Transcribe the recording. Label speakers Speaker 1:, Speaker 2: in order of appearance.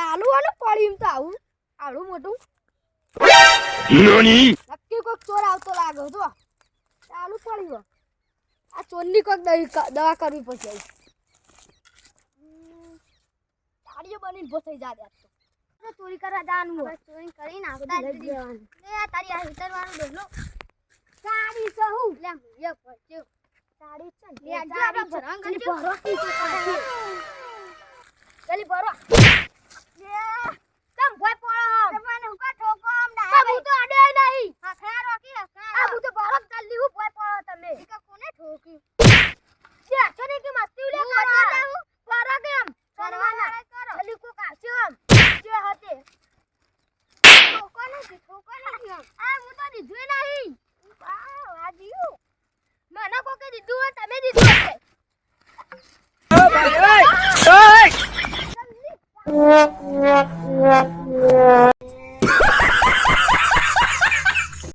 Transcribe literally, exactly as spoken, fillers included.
Speaker 1: ચાલુ આને પડી એમ તો આવું આવડું મોટું
Speaker 2: નોની
Speaker 1: નક્કી કોક ચોર આવતો લાગે જો ચાલુ પડી ગયો આ ચોરની કોક દવા કરવી પડશે તાળીઓ બનીને ભો થઈ જા દે તો ચોરી કરવા જવાનું હોય ચોરી કરીને આવતા લઈ જવાનું લે તારી આ હીટર વાળું ડોલો ગાડી સહુ લે યે પડ્યો ગાડી છે લે જો આપણે ભરંગ ગલી ભરો ગલી ભરો લે કમ ભોય પડો તમને હુકા ઠોકો આમ ના હું તો અડે નહીં હા ખરા રોકી આ હું તો ભરો ચાલી હું ભોય પડો તમે ઈ કોને ઠોકી લે છોને કે મસ્તી લે કરો ભરો કેમ કરવાના કરો જલ્દી કો કાચો આમ જે હતે ઠોકો નથી ઠોકો નથી આ હું તો દીધું નહીં વાહ વાહ દીયું મને કોકે દીધું હોય તમે દીધું હશે
Speaker 2: ઓ ભાઈ ઓય ઓય